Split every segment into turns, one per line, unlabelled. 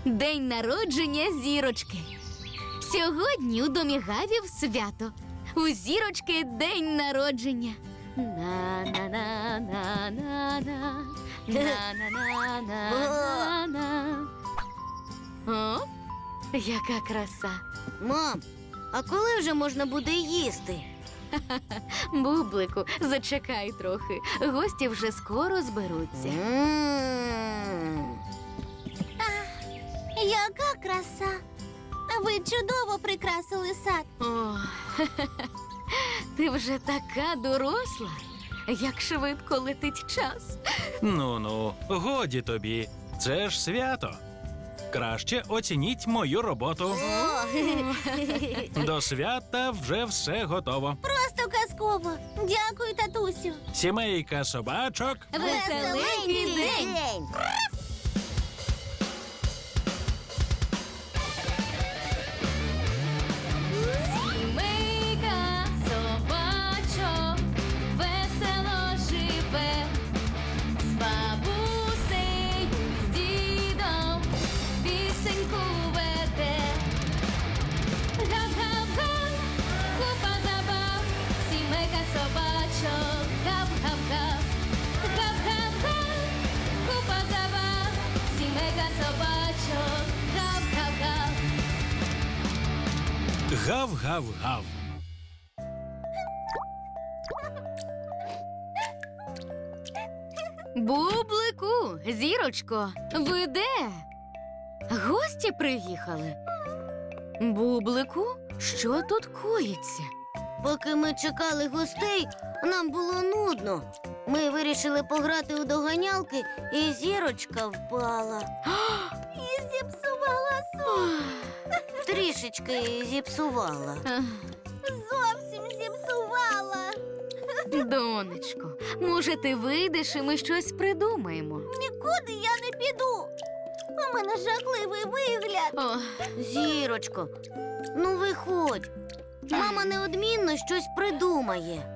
День народження Зірочки. Сьогодні у домі Гавів свято. У Зірочки день народження. На-на-на-на-на-на. На-на-на-на-на-на. О, яка краса.
Мам, а коли вже можна буде їсти?
Бублику, зачекай трохи. Гості вже скоро зберуться.
Яка краса! Ви чудово прикрасили сад.
О, ти вже така доросла. Як швидко летить час.
Ну-ну, годі тобі. Це ж свято. Краще оцініть мою роботу. До свята вже все готово.
Просто казково. Дякую, татусю.
Сімейка собачок.
Веселенький день! Сімейка собачок весело живе, з бабусею, з дідом пісеньку веде. Гав-гав-га, купа забав, сімейка собачок, гав-гав-гав. Гав-гав-га, купа забав, сімейка собачок, гав-гав-гав.
Гав-гав-гав.
Бублику, Зірочко, ви де? Гості приїхали. Бублику, що тут коїться?
Поки ми чекали гостей, нам було нудно. Ми вирішили пограти у доганялки, і Зірочка впала.
І зіпсувала сон.
Трішечки зіпсувала.
Ах,
Зовсім зіпсувала.
Донечко, може, ти вийдеш і ми щось придумаємо?
Нікуди я не піду. У мене жахливий вигляд.
О,
Зірочко, ну виходь. Мама неодмінно щось придумає.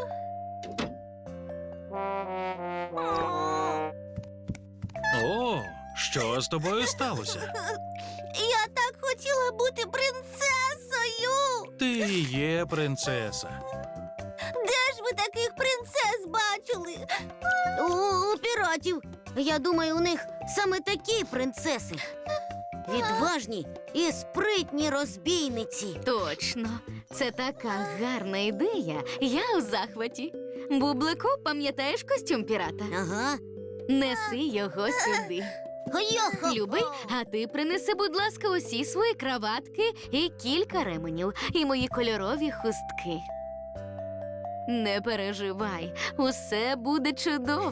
О, що з тобою сталося?
Я так хотіла бути принцесою.
Ти є принцеса.
Де ж ви таких принцес бачили?
У піратів. Я думаю, у них саме такі принцеси. Відважні і спритні розбійниці.
точно, це така гарна ідея. Я у захваті. Бублику, пам'ятаєш костюм пірата?
Ага.
Неси його сюди.
Йохо.
Любий, а ти принеси, будь ласка, усі свої краватки і кілька ременів, і мої кольорові хустки. Не переживай, усе буде чудово.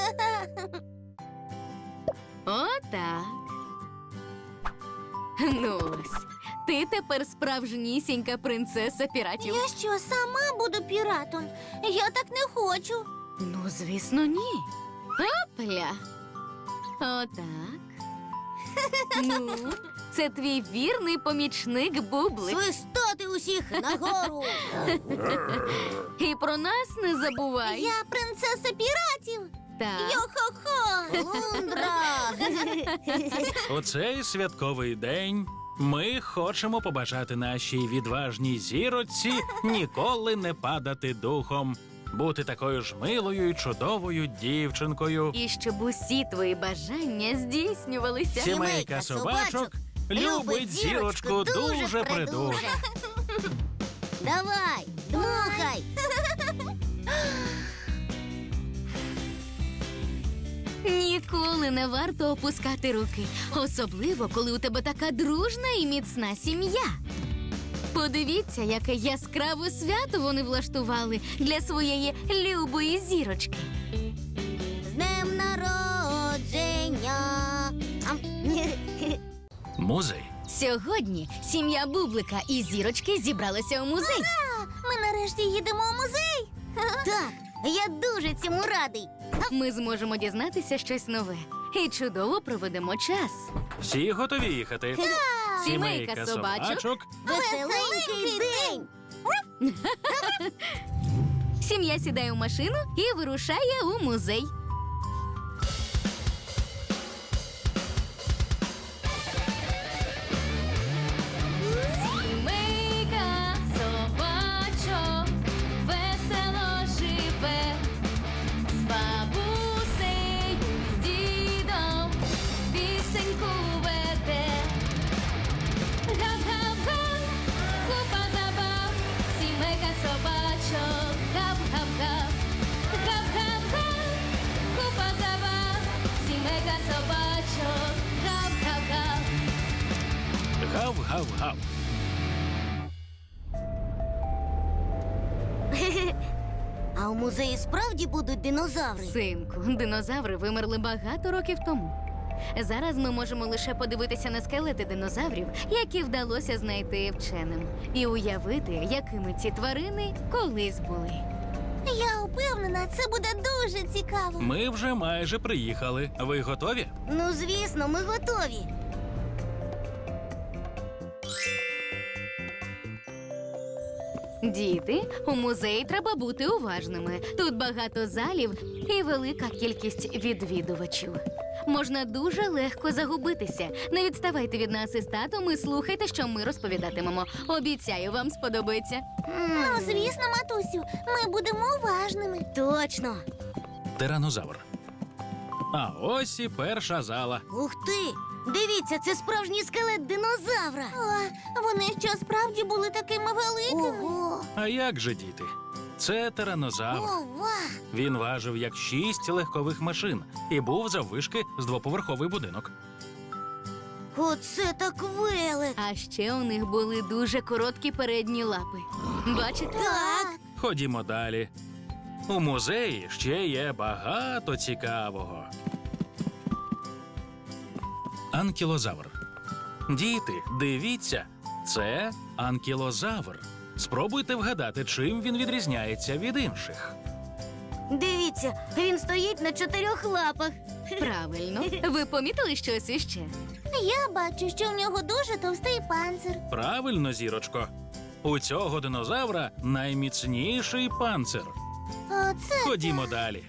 Отак. Ну ось, ти тепер справжнісінька принцеса піратів.
Я що, сама буду піратом? Я так не хочу.
Ну, звісно, ні. Опля. Отак. Ну, це твій вірний помічник Бублик.
Свистати усіх нагору.
І про нас не забувай.
Я принцеса піратів.
Так.
Йо-хо-хо.
Лундра.
У цей святковий день ми хочемо побажати нашій відважній зіроці ніколи не падати духом, бути такою ж милою і чудовою дівчинкою.
І щоб усі твої бажання здійснювалися.
Сімейка собачок любить зірочку дуже придуже.
Давай, дмухай.
Ніколи не варто опускати руки, особливо, коли у тебе така дружна і міцна сім'я. Подивіться, яке яскраве свято вони влаштували для своєї любої зірочки.
З днем народження.
Музей.
Сьогодні сім'я Бублика і зірочки зібралися у музей.
Ми нарешті їдемо у музей.
Так, я дуже цьому радий.
Ми зможемо дізнатися щось нове і чудово проведемо час.
Всі готові їхати?
Сімейка собачок.
Веселенький день.
Сім'я сідає у машину і вирушає у музей.
Гав-гав-гав.
А у музеї справді будуть динозаври?
Синку, динозаври вимерли багато років тому. Зараз ми можемо лише подивитися на скелети динозаврів, які вдалося знайти вченим, і уявити, якими ці тварини колись були.
Я упевнена, це буде дуже цікаво.
Ми вже майже приїхали. Ви готові?
Ну, звісно, ми готові.
Діти, у музеї треба бути уважними. Тут багато залів і велика кількість відвідувачів. Можна дуже легко загубитися. Не відставайте від нас із татом і слухайте, що ми розповідатимемо. Обіцяю, вам сподобається.
Ну, звісно, матусю, ми будемо уважними.
Точно.
Тиранозавр. А ось і перша зала.
Ух ти! Дивіться, це справжній скелет динозавра.
О, вони що справді були такими великими?
Ого!
А як же, діти? Це тиранозавр.
Ова!
Він важив як 6 легкових машин і був заввишки з двоповерховий будинок.
Оце так велик!
А ще у них були дуже короткі передні лапи. Бачите?
Так!
Ходімо далі. У музеї ще є багато цікавого. Анкілозавр. Діти, дивіться, це анкілозавр. Спробуйте вгадати, чим він відрізняється від інших.
Дивіться, він стоїть на 4 лапах.
Правильно. Ви помітили щось іще?
Я бачу, що в нього дуже товстий панцир.
Правильно, зірочко. У цього динозавра найміцніший панцир.
Оце
Ходімо далі.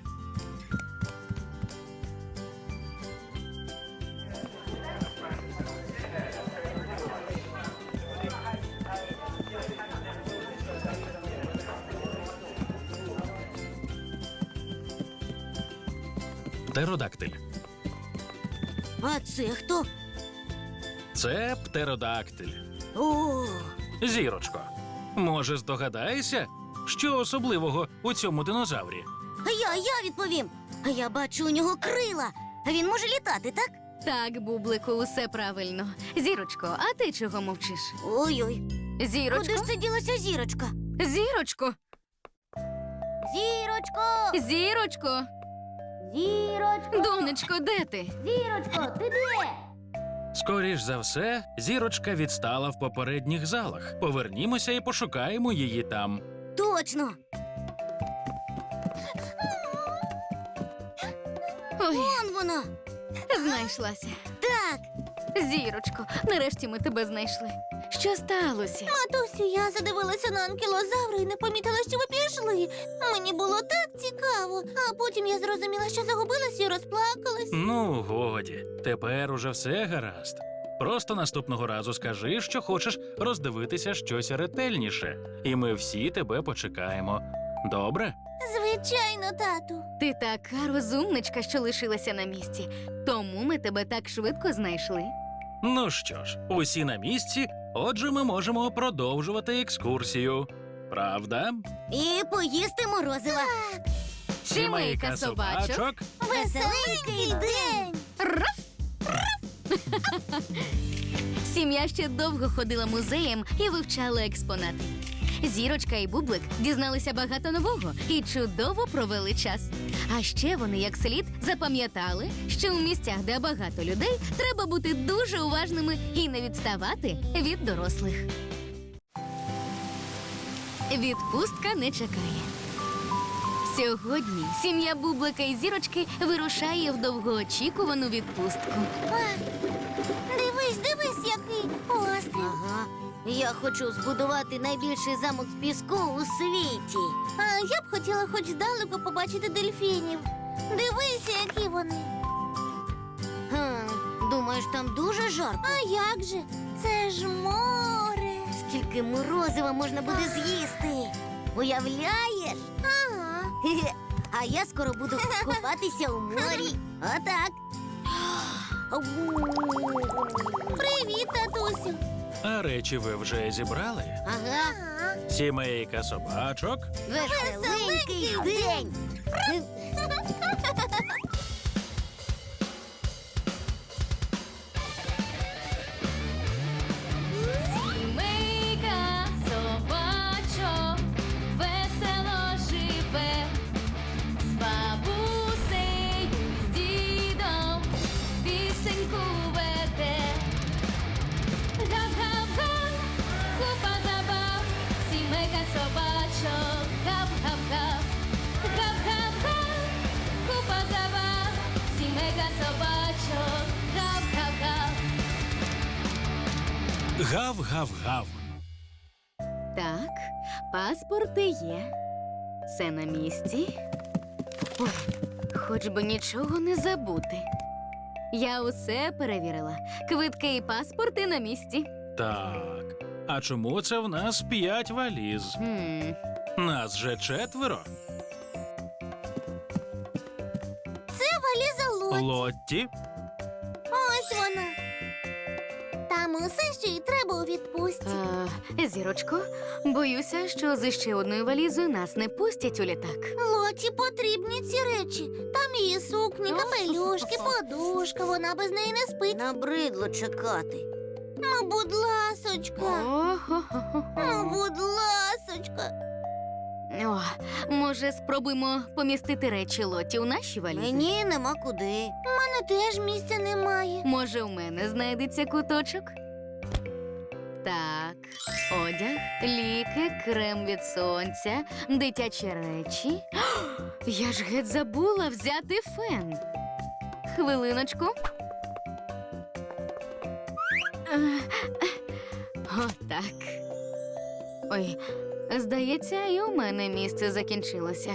Птеродактиль.
А це хто?
Це птеродактиль.
О,
Зірочко, може, здогадаєшся, що особливого у цьому динозаврі?
я відповім. А я бачу у нього крила. А він може літати, так?
Так, Бублику, усе правильно. Зірочко, а ти чого мовчиш?
Ой-ой.
Зірочко?
Куди ж це ділася зірочка?
Зірочко?
Зірочко!
Зірочко?
Зірочко!
Донечко, де ти?
Зірочко, ти де?
Скоріш за все, зірочка відстала в попередніх залах. Повернімося і пошукаємо її там.
Точно!
Ой,
Вон вона!
знайшлася.
Так!
Зірочко, нарешті ми тебе знайшли. Що сталося?
матусю, я задивилася на анкілозавра і не помітила, що ви пішли. Мені було так цікаво. А потім я зрозуміла, що загубилась і розплакалась.
Ну, годі, тепер уже все гаразд. Просто наступного разу скажи, що хочеш роздивитися щось ретельніше, і ми всі тебе почекаємо. Добре?
Звичайно, тату.
Ти така розумничка, що лишилася на місці. Тому ми тебе так швидко знайшли.
Ну що ж, усі на місці, отже, ми можемо продовжувати екскурсію. Правда?
І поїсти морозива.
Сімейка собачок.
Веселенький день!
Сім'я ще довго ходила музеєм і вивчала експонати. Зірочка і Бублик дізналися багато нового і чудово провели час. А ще вони як слід запам'ятали, що у місцях, де багато людей, треба бути дуже уважними і не відставати від дорослих. Відпустка не чекає. Сьогодні сім'я Бублика і Зірочки вирушає в довгоочікувану відпустку.
Дивись, який острів.
Ага. Я хочу збудувати найбільший замок з піску у світі.
А я б хотіла хоч здалеку побачити дельфінів. Дивися, які вони.
Думаєш, там дуже жарко?
А як же? Це ж море.
Скільки морозива можна буде з'їсти? Уявляєш?
Ага.
Хе-хе. А я скоро буду купатися у морі. Отак.
Привіт, татусю.
А речі ви вже зібрали?
Ага.
Ага.
Сімейка собачок.
Веселенький день.
Гав-гав-гав.
Так, паспорти є. Це на місці. Ой, хоч би нічого не забути. Я усе перевірила. Квитки і паспорти на місці.
Так. А чому це в нас 5 валіз? Нас же 4.
Валіза Лоті.
Лотті?
Ось вона. Там усе, що їй треба у відпустці.
Зірочко, боюся, що з ще одною валізою нас не пустять у літак.
Лоті потрібні ці речі. Там її сукні, капелюшки, подушка. Вона без неї не спить.
Набридло чекати.
Ну, будь ласочка. Ну, будь ласочка.
О, може, спробуємо помістити речі Лоті у наші валізи?
Мені нема куди.
У мене теж місця немає.
Може, у мене знайдеться куточок? Так, одяг, ліки, крем від сонця, дитячі речі. Я ж геть забула взяти фен. Хвилиночку. Отак. Ой, здається, і у мене місце закінчилося.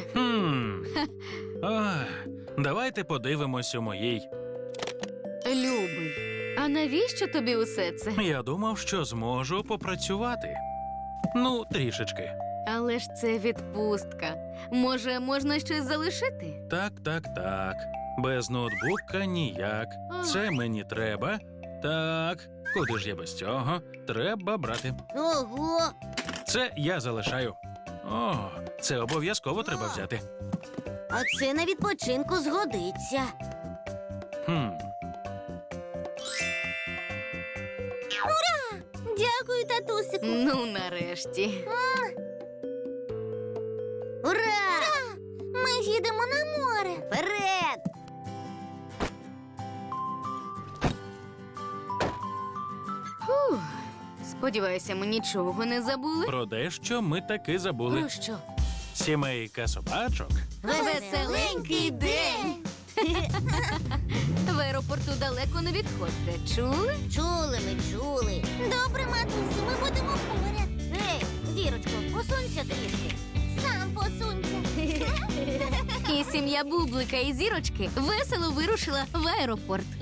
Давайте подивимось у моїй.
Любий, а навіщо тобі усе це?
Я думав, що зможу попрацювати. Ну, трішечки.
Але ж це відпустка. Може, можна щось залишити?
Так. Без ноутбука ніяк. Це мені треба. Так, куди ж я без цього? Треба брати.
Ого!
Це я залишаю. О, це обов'язково треба взяти.
А це на відпочинку згодиться.
Дякую, татусику.
Ну, нарешті.
Ура!
Ми їдемо на море.
Вперед!
Фух. Сподіваюся, ми нічого не забули.
Про дещо ми таки забули.
Про що?
Сімейка собачок.
Веселенький день! В аеропорту далеко не відходьте. Чули?
Чули.
Добре, матусю, ми будемо поряд.
Ей, Зірочко, посунься трішки.
Сам посунься.
І сім'я Бублика і Зірочки весело вирушила в аеропорт.